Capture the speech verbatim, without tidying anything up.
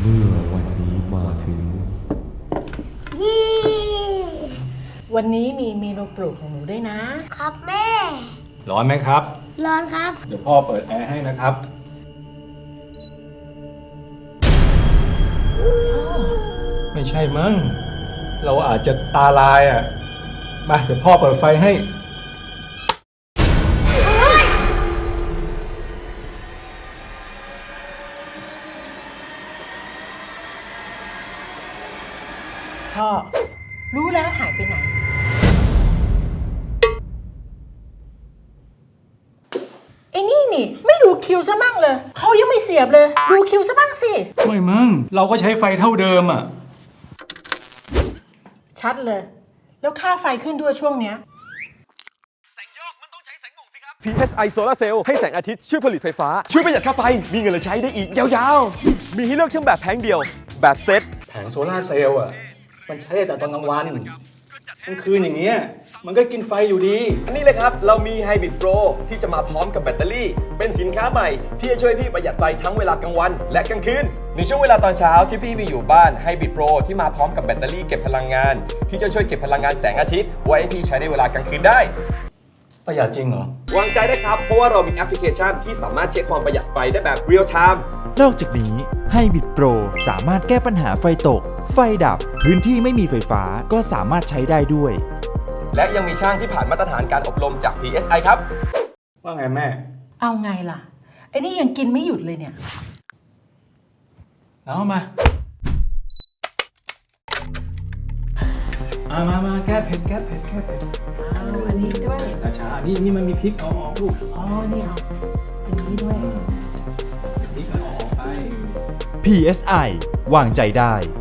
เมื่อวันนี้มาถึงวันนี้มีเมนูโปรดของหนูด้วยนะครับแม่ร้อนไหมครับร้อนครับเดี๋ยวพ่อเปิดแอร์ให้นะครับไม่ใช่มั้งเราอาจจะตาลายอ่ะมาเดี๋ยวพ่อเปิดไฟให้พ่อรู้แล้วหายไปไหนไอ้นี่นี่ไม่ดูคิวซะมั่งเลยเขายังไม่เสียบเลยดูคิวซะบ้างสิไม่มั้งเราก็ใช้ไฟเท่าเดิมอ่ะชัดเลยแล้วค่าไฟขึ้นด้วยช่วงเนี้ยพี เอส ไอ Solar Cell ให้แสงอาทิตย์ช่วยผลิตไฟฟ้าช่วยประหยัดค่าไฟมีเงินเหลือใช้ได้อีกยาวๆมีให้เลือกทั้งแบบแผงเดียวแบบเซตแผงโซลาร์เซลล์อ่ะมันใช้แต่ตอนกลางวันกลางคืนอย่างเงี้ยมันก็กินไฟอยู่ดีอันนี้เลยครับเรามี Hybrid Pro ที่จะมาพร้อมกับแบตเตอรี่เป็นสินค้าใหม่ที่จะช่วยพี่ประหยัดไฟทั้งเวลากลางวันและกลางคืนในช่วงเวลาตอนเช้าที่พี่มีอยู่บ้าน Hybrid Pro ที่มาพร้อมกับแบตเตอรี่เก็บพลังงานที่จะช่วยเก็บพลังงานแสงอาทิตย์ไว้ให้พี่ใช้ในเวลากลางคืนได้ประหยัดจริงเหรอวางใจได้ครับเพราะว่าเรามีแอปพลิเคชันที่สามารถเช็คความประหยัดไฟได้แบบ Real Time นอกจากนี้Hybrid Pro สามารถแก้ปัญหาไฟตกไฟดับพื้นที่ไม่มีไฟฟ้าก็สามารถใช้ได้ด้วยและยังมีช่างที่ผ่านมาตรฐานการอบรมจาก พี เอส ไอ ครับว่าไงแม่เอาไงล่ะไอ้นี่ยังกินไม่หยุดเลยเนี่ยเอามามามามาแก้เผ็ดแก้เผ็ดแก้เผ็ดเอาอันนี้ด้วยช้าๆนี่นี่มันมีพริกเอาออกลูกอ๋อนี่เอาอันนี้ด้วยพริกเอาออกไปพี เอส ไอ วางใจได้